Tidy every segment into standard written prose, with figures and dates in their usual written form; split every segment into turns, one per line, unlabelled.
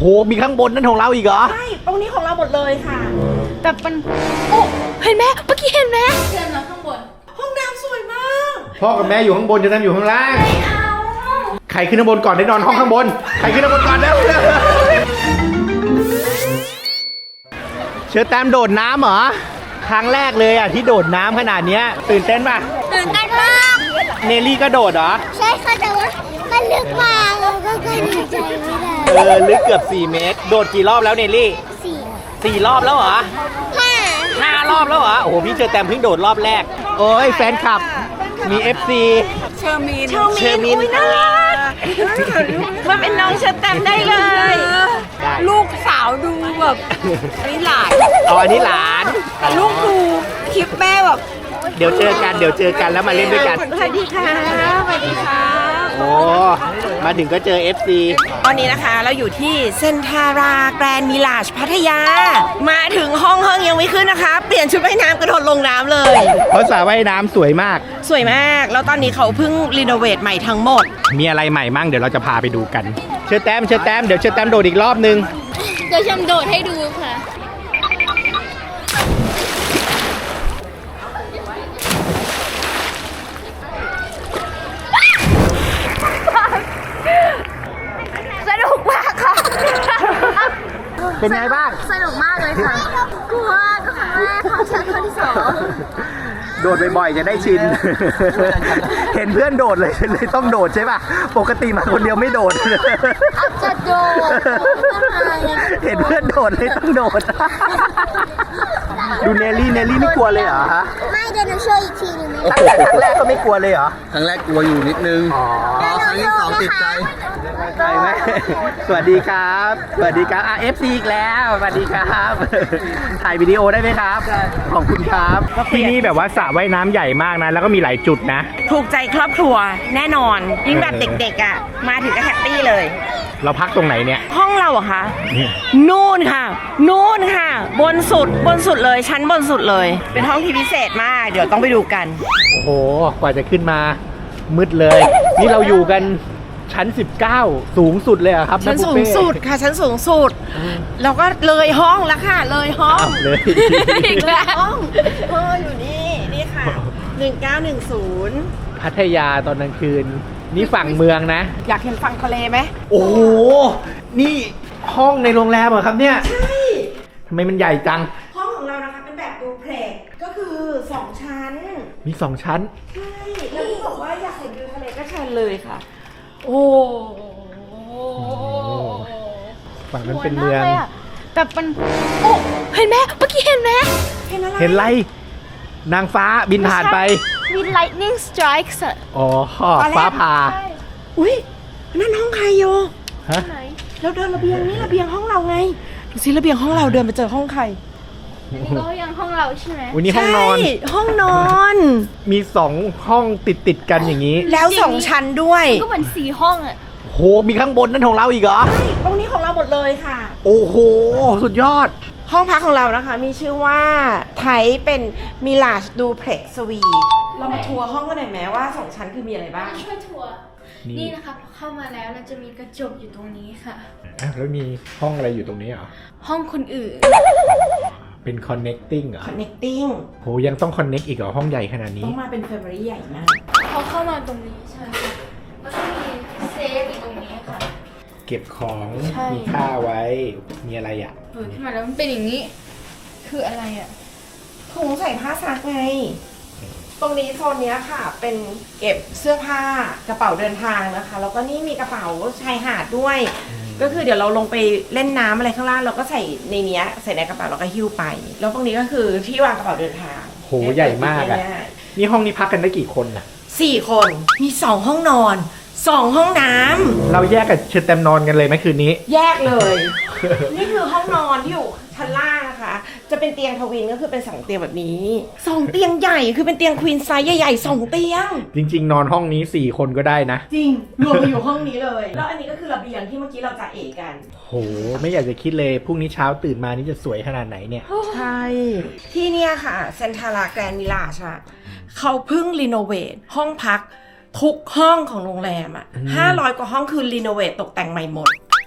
มีข้างบนนั่นของเราอีกเหรอ
ใช่ตรงนี้ของเราหมดเลยค่ะ
แต่มันโอ้เห็นไหมเมื่อกี้เห็นไหม
เชิญเราข้างบน
ห้องน้ำสวยมาก
พ่อกับแม่อยู่ข้างบนจะนั่งอยู่ข้างล่าง
ไม่เอา
ใครขึ้นข้างบนก่อนได้นอนห้องข้างบนใครขึ้นข้างบนก่อนแล้วเชิญแต้มโดดน้ำเหรอครั้งแรกเลยอ่ะที่โดดน้ำขนาดนี้ตื่นเต้นป่ะ
ตื่นเต้นมาก
เนลลี่ก็โดดเหรอ
ใช่ค่ะแต่ว่ามันลึกมากเราก็หายใจไม่ได้
ลึกเกือบ4 เมตรโดดกี่รอบแล้วเนลลี่4 รอบแล้วเหรอ5 รอบแล้วเหรอโอ้โหพี่เชอแตมเพิ่งโดดรอบแรกโอ้ยแฟนคลับมี FC
เชอร์มิน
น่ารักมันเป็นน้องเชอแตมได้เลย
ลูกสาวดูแบบนี่หลาน
อันนี้หลาน
แต่ลูกดูคลิปแม่แบบ
เดี๋ยวเจอกันแล้วมาเล่นด้วยกัน
สวัสดีค่ะสวัสดีค่ะ
โอ้มาถึงก็เจอ FC
ตอนนี้นะคะเราอยู่ที่เซนทาราแกรนด์มิลาจพัทยามาถึงห้องยังไม่ขึ้นนะคะเปลี่ยนชุดว่ายน้ำกระโดดลงน้ำเลย
เพราะสระว่ายน้ำสวยมาก
แล้วตอนนี้เขาเพิ่งรีโนเวทใหม่ทั้งหมด
มีอะไรใหม่มั่งเดี๋ยวเราจะพาไปดูกันเชิญแต้มเดี๋ยวเชิญแต้มโดดอีกรอบนึง
เดี๋ยวฉันโดดให้ดูค่ะสนุกมากค่ะ
เป็นไงบ้าง
สนุกมากเลยค่ะกลัวก็ครั้งแรกของฉันครั้งที่2
โดดบ่อยๆจะได้ชินเห็นเพื่อนโดดเลยต้องโดดใช่ป่ะปกติมาคนเดียวไม่โดด
อาจจะโดด
เห็นเพื่อนโดดเลยต้องโดดดูเนลลี่ไม่กลัวเลยเหรอฮะ
ไม่เดี๋ยวหนูช่วยอีกทีนึงไหม
ตั้งแต่ครั้งแรกก็ไม่กลัวเลยเหรอ
ครั้งแรกกลัวอยู่นิดนึงครั้งที่2ติดใจ
ใช่ไหมสวัสดีครับFC อีกแล้วสวัสดีครับถ่ายวิดีโอได้ไหมครับขอบคุณครับที่นี่แบบว่าสระว่ายน้ำใหญ่มากนะแล้วก็มีหลายจุดนะ
ถูกใจครอบครัวแน่นอนยิ่งแบบเด็กๆอ่ะมาถึงก็แฮปปี้เลย
เราพักตรงไหนเนี่ย
ห้องเราอะคะนู่นค่ะบนสุดเลยชั้นบนสุดเลยเป็นห้องที่พิเศษมากเดี๋ยวต้องไปดูกัน
โอ้โหกว่าจะขึ้นมามืดเลยนี่เราอยู่กันชั้น19สูงสุดเลยครับ
ชั้นสูงสุดค่ะชั้นสูงสุดแล้วก็เลยห้องแล้วค่ะเลยห้อง
เลย
อีกแล้วห้องอยู่นี่ค่ะ1910
พัทยาตอนกลางคืนนี่ฝั่งเมืองนะ
อยากเห็นฝั่งทะเลไหม
โอ้โหนี่ห้องในโรงแรมเหรอครับเนี่ย
ใช่
ทำไมมันใหญ่จัง
ห้องของเรานะคะเป็นแบบดูเพล็กก็คือ2ชั้น
มี2ชั้น
ใช่แล้วที่บอกว่าอยากเห็นวิวทะเลก็เชิญเลยค่ะโอ้
ฝั่งนั้นเป็นเมือง
แต่มันโอ้เห็นไหมเมื่อกี้เห็นไหม
เห็นอะไรนางฟ้าบินผ่านไป
มี lightning strikes
อ๋อฟ้าผ่า
อุ้ยนั่นห้องใครโย
ฮะ
เราเดินระเบียงนี่ระเบียงห้องเราไงดูสิระเบียงห้องเราเดินไปเจอห้องใคร
นี่ก็ยังห้องเราใช่ไหม
วันนี้ห้องนอน
ห้องนอน
มี2ห้องติดกันอย่างนี้
แล้ว2ชั้นด้วย
ก็เหมือน4ห้องอ่ะ
โหมีข้างบนนั่นของเราอีกเหรอ
ใช่ตรงนี้ของเราหมดเลยค่ะ
โอ้โหสุดยอด
ห้องพักของเรานะคะมีชื่อว่าไทยเป็นมิลาจดูเพล็กสวีทเรามาทัวร์ห้องกันหน่อยไหมว่า2ชั้นคือมีอะไรบ้าง
ช่วยทัวร์นี่นะคะเข้ามาแล้วเราจะมีกระจกอยู่ตรงนี้ค่ะ
แล้วมีห้องอะไรอยู่ตรงนี้เหรอ
ห้องคนอื่น
เป็น connecting เหรอ
connecting
โหยังต้อง connect อีกเหรอห้องใหญ่ขนาดนี้
ต้องมาเป็น family ใหญ่มาก
เขาเข้ามาตรงนี้ใช่ค่ะแล้วก็มีเซฟอยู่ตรงนี้ค่ะ
เก็บของมีค่าไว้มีอะไรอ่ะ
ขึ้นมาแล้วมันเป็นอย่างนี้คืออะไรอ่ะ
ถุงใส่ผ้าซักไงตรงนี้โซนนี้ค่ะเป็นเก็บเสื้อผ้ากระเป๋าเดินทางนะคะแล้วก็นี่มีกระเป๋าชายหาดด้วยก็คือเดี๋ยวเราลงไปเล่นน้ำอะไรข้างล่างเราก็ใส่ในนี้ใส่ในกระเป๋าเราก็หิ้วไปแล้วตรงนี้ก็คือที่วางกระเป๋าเดินทาง
โหใหญ่มากอ่ะนี่ห้องนี้พักกันได้กี่คนอ่ะ
4 คนมี2ห้องนอน2ห้องน้ำ
เราแยกกับเชิญแตมนอนกันเลยไหมคืนนี้
แยกเลยนี่คือห้องนอนที่อยู่ชั้นล่างนะคะจะเป็นเตียงทวินก็คือเป็น2เตียงแบบนี้2เตียงใหญ่คือเป็นเตียงควีนไซส์ใหญ่ๆ2เตียง
จริงๆนอนห้องนี้4คนก็ได้นะ
จริงรวมไปอยู่ห้องนี้เลยแล้วอันนี้ก็คือระเบียงที่เมื่อกี้เราจะเอกัน
โหไม่อยากจะคิดเลยพรุ่งนี้เช้าตื่นมานี่จะสวยขนาดไหนเนี่ย
ใช่ที่เนี่ยค่ะเซนทาราแกรนด์มิลาจค่ะเขาเพิ่งรีโนเวทห้องพักทุกห้องของโรงแรมอ่ะ500 กว่าห้องคือรีโนเวทตกแต่งใหม่หมด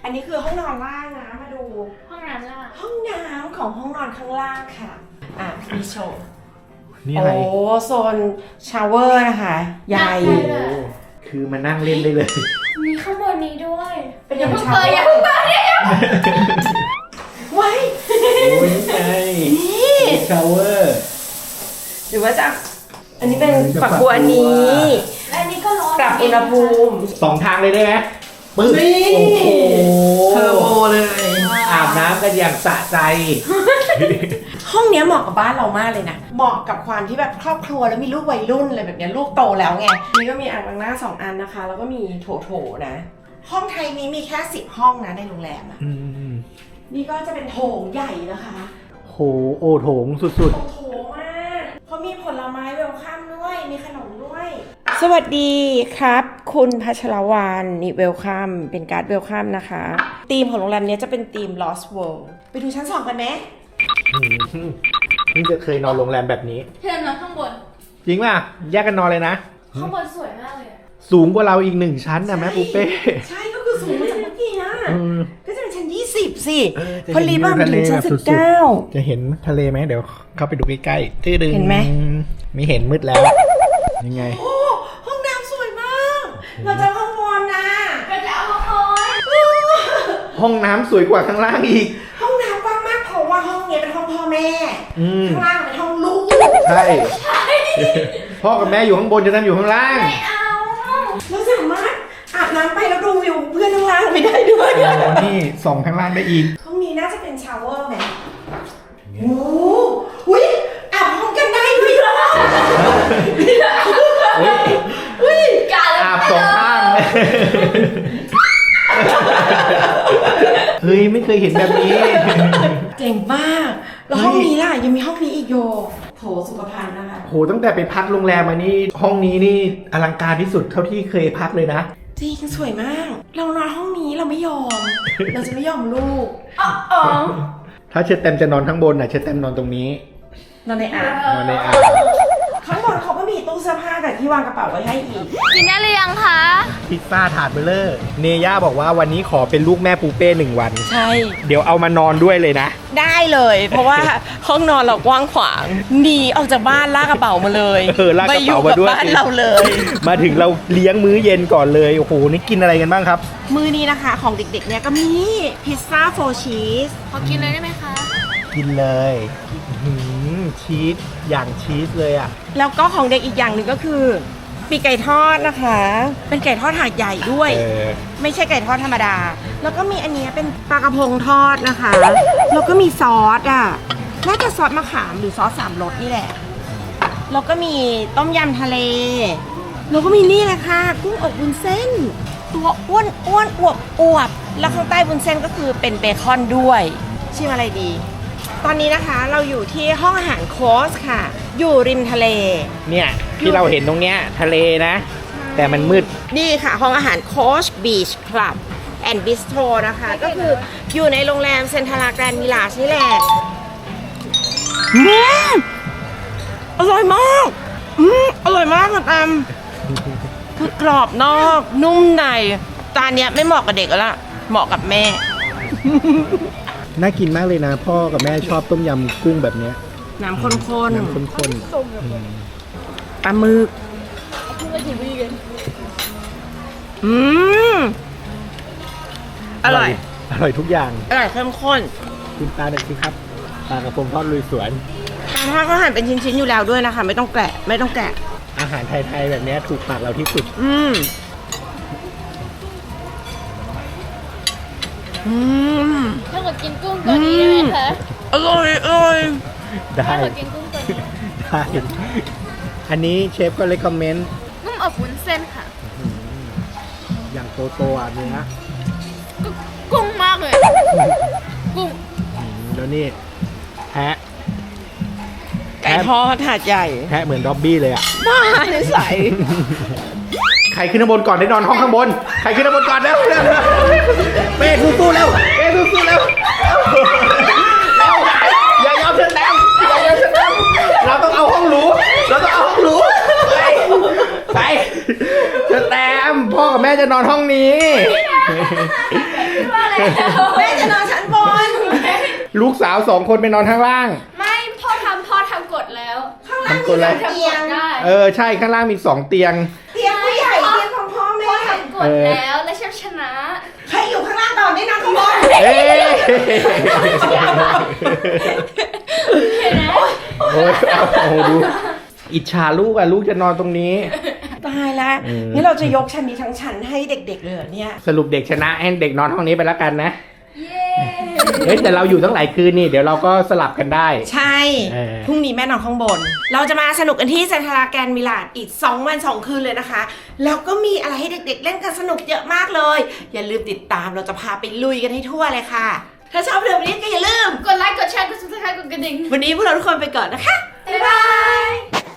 อันนี้คือห้องนอนล่างนะมาดู
ห้องน้ำล่าง
ห้องน้ำของห้องนอนข้างล่างค่ะมีโชว์
นี่อะไร
โอ้โซนชาวเวอร์นะคะใหญ่
คือมานั่งเล่นได้เลย
มีข้างบนนี้ด้วย
เป็นยังไง
อย่าเพิ่งเปิดดิ
ไว้
โอ้ยไง
นี่
ชาวเวอร์
หรือว่าจะอันนี้เป็นฝักบัวอันนี้
และอันนี้ก็ร้อน
ปรับอุณหภูมิ
2 ทางเลยได้ไหมปึ๊บ
นี่
โอ้โห
เทอร์โบเลย
อาบน้ำกันอย่างสะใจ
ห้องเนี้ยเหมาะกับบ้านเรามากเลยนะ เหมาะกับความที่แบบครอบครัวแล้วมีลูกวัยรุ่นอะไรแบบเนี้ยลูกโตแล้วไง นี่ก็มีอ่างล้างหน้า2 อันนะคะ แล้วก็มีโถนะ ห้องไทยนี้มีแค่10 ห้องนะในโรงแรมอะ
อืม
นี่ก็จะเป็นโถงใหญ่นะคะ
โหโอโถงสุด
โถงมากเขามีผลไม้เวลคัมด้วย มีขนมด้วย สวัสดีครับ คุณพัชรวรรณนี่เวลคัมเป็นการ์ดเวลคัมนะคะธีมของโรงแรมเนี้ยจะเป็นธีม Lost World ไปดูชั้น 2 กันไหม
ๆนี่จะเคยนอนโรงแรมแบบนี้
เชิญนอนข้างบน
จริงป่ะ แยกกันนอนเลยนะ
ข้างบนสวยมากเลยอะ
สูงกว่าเราอีก1 ชั้นนะแม่ปูเป้
ใช่ก็คือสูงมาจากเมื่อกี้นะ
อืม
ก็จะเป็นชั้น 20 สิ
จะ
พอลีบ้ามันถึงชั้น 19
จะเห็นทะเลไหมเดี๋ยวเข้าไปดูใกล้ๆตื้อดึง
เห็นไหม
ไม่เห็นมืดแล้ว ยังไง
โอ้ห้องน้ำสวยมาก เราจะห้องนอนนะ
ก็จะเอามาคอย
ห้องน้ำสวยกว่าข้างล่างอีก
ห้องน้ำกว้างมากเพราะว่าห้องเนี้ยเป็นห้องพ่อแม่
อืม
ข้างล่างเป็นห้องลูก
ใช่ พ่อกับแม่อยู่ข้างบนจะทำอยู่ข้างล่าง
ไม่เอา
เราสามารถอาบน้ำไปแล้วดูวิวเพื่อนข้างล่างไปได้ด้วย
โอ้นี่ส่องข้างล่างได้อีก
ห้องนี้น่าจะเป็นชาวเวอร์ไหมโอ้โหอุ๊ยอาบพร้อมกันได้ด้วยเหรอ
เฮ้ย
การ
อาบสองข้างเลย เฮ้ย ไม่เคยเห็นแบบนี้
เจ๋งมาก แล้วห้องนี้ล่ะยังมีห้องนี้อีกโยโถสุขภัณฑ์นะคะ
โห ตั้งแต่ไปพักโรงแรมมานี่ห้องนี้นี่อลังการที่สุดเท่าที่เคยพักเลยนะ
จริงสวยมาก เรานอนห้องนี้เราไม่ยอม เราจะไม่ยอมลูก
อ๋อ
ถ้าเชอแตมจะนอนข้างบนน่ะเชอแตมนอนตรงนี้
นอนในอ่าง
นอนในอ่าง
ข้างบนเขาก็มีตู้เสื้อผ้ากับที่วางกระเป๋าไว้ให้อีก
กินได้หรือยังคะ
พิซซ่าถาดเบลเลอร์ เนย่าบอกว่าวันนี้ขอเป็นลูกแม่ปูเป้1 วัน
ใช่
เดี๋ยวเอามานอนด้วยเลยนะ
ได้เลย เพราะว่าห้องนอนเรากว้างขวางหนีออกจากบ้านลากกระเป๋ามาเลย
ลากกระเป๋ามาด้วย
อยู่กับบ้านเราเลย
มาถึงเราเลี้ยงมื้อเย็นก่อนเลย โอ้โห นี่กินอะไรกันบ้างครับ
มือนี้นะคะของเด็กๆเนี่ยก็มีพิซซ่า4 ชีส
ขอกินเลยได้ไหมคะ
กินเลยอื้อหือชีสอย่างชีสเลยอ่ะ
แล้วก็ของเด็กอีกอย่างหนึ่งก็คือปีกไก่ทอดนะคะ เป็นไก่ทอดถาดใหญ่ด้วย ไม่ใช่ไก่ทอดธรรมดา แล้วก็มีอันเนี้ยเป็นปลากระพงทอดนะคะ แล้วก็มีซอสอ่ะ น่าจะซอสมะขามหรือซอส3 รสนี่แหละ แล้วก็มีต้มยำทะเล แล้วก็มีนี่แหละค่ะ กุ้งอบวุ้นเส้น ตัวอ้วนอ้วนอวบอวบแล้วข้างใต้วุ้นเส้นก็คือเป็นเบคอนด้วย ชิมอะไรดี ตอนนี้นะคะเราอยู่ที่ห้องอาหารโคสค่ะ อยู่ริมทะเล
เนี่ยที่เราเห็นตรงเนี้ยทะเลนะ แต่มันมืด
นี่ค่ะ ห้องอาหารโคชบีชคลับแอนด์บิสโทรนะคะ ก็คืออยู่ในโรงแรมเซนทราแกรนด์มิลาชนี่แหละอร่อยมากอร่อยมากค่ะแอมคือกรอบนอกนุ่มในจานเนี้ยไม่เหมาะกับเด็กแล้วล่ะ เหมาะกับแม่
น่ากินมากเลยนะ พ่อกับแม่ชอบต้มยำกุ้งแบบเนี้ย
น้ำข้น
น้ำข้น
ๆปลาหมึกอร่อย
อร่อยทุกอย่าง
อร่อยเข้มข้น
คุณตาหน่อยสิครับปลากระพงทอดลุยสวน
ปลาทอดก็หั่นเป็นชิ้นๆอยู่แล้วด้วยนะคะ ไม่ต้องแกะไม่ต้องแกะ
อาหารไทยๆแบบเนี้ยถูกปากเราที่สุด
ถ้าเกิดกินกุ้งตัวนี้ได้ไหมคะ
อร่อยอร่อย
ได้
ถ้าเกิดกินกุ้งตัวนี้
ได้ อันนี้เชฟก็เลคคอมเมนต์
นุ่มอบวุ้นเส้นค่ะ
อย่างโตๆอ่ะเนื้อ
กุ้งมากเลย กุ้ง
แล้วนี่แพะ
ไก่ทอดถาดใหญ่
แพะเหมือนด็อบบี้เลยอ่ะ
บ้าในใส
ใครขึ้นข้างบนก่อนได้นอนห้องข้างบน ใครขึ้นข้างบนก่อนแล้วเป้สู้ๆแล้วเป้สู้ๆแล้วอย่ายอมเชิญแต้มอย่ายอมเชิญแต้มเราต้องเอาห้องหรูเราต้องเอาห้องหรูไปเชิญแต้มพ่อกับแม่จะนอนห้องนี้
ว่าอะไร
แม่จะนอนชั้นบน
ลูกสาว2 คนไปนอนข้างล่าง
ไม่พ่อทำกดแล้ว
ข้างล่าง
ทำกดอะไร
มีเตียง
ได้
ใช่ข้างล่างมี2 เตียง
เตียงผู้ใหญ่เตียงของพ่อแม่
พ่อทำกดแล้วและชนะ
ใครอยู่ข้างล่างตอนได้นอนข้างบน
เอ้ยโอ้ยเอาดูอิจฉาลูกอ่ะลูกจะนอนตรงนี้
ตายแล้ว
อืม
นี่เราจะยกชั้นนี้ทั้งชั้นให้เด็กๆเลยเหรอเนี่ย
สรุปเด็กชนะให้เด็กนอนห้องนี้ไปแล้วกันนะ
เย้
เฮ้ยแต่เราอยู่ตั้งหลายคืนนี่เดี๋ยวเราก็สลับกันได้
ใช่
เออ
พรุ่งนี้แม่นอนข้างบน เราจะมาสนุกกันที่เซนทราแกรนด์มิลานอีก2 วัน 2 คืนเลยนะคะ แล้วก็มีอะไรให้เด็กๆเล่นกันสนุกเยอะมากเลย อย่าลืมติดตามเราจะพาไปลุยกันให้ทั่วเลยค่ะ ถ้าชอบเรื่องนี้ก็อย่าลืม
กดไลค์กดแชร์กด subscribe กดกระดิ่ง
วันนี้พวกเราทุกคนไปก่อนนะคะ
บ๊ายบาย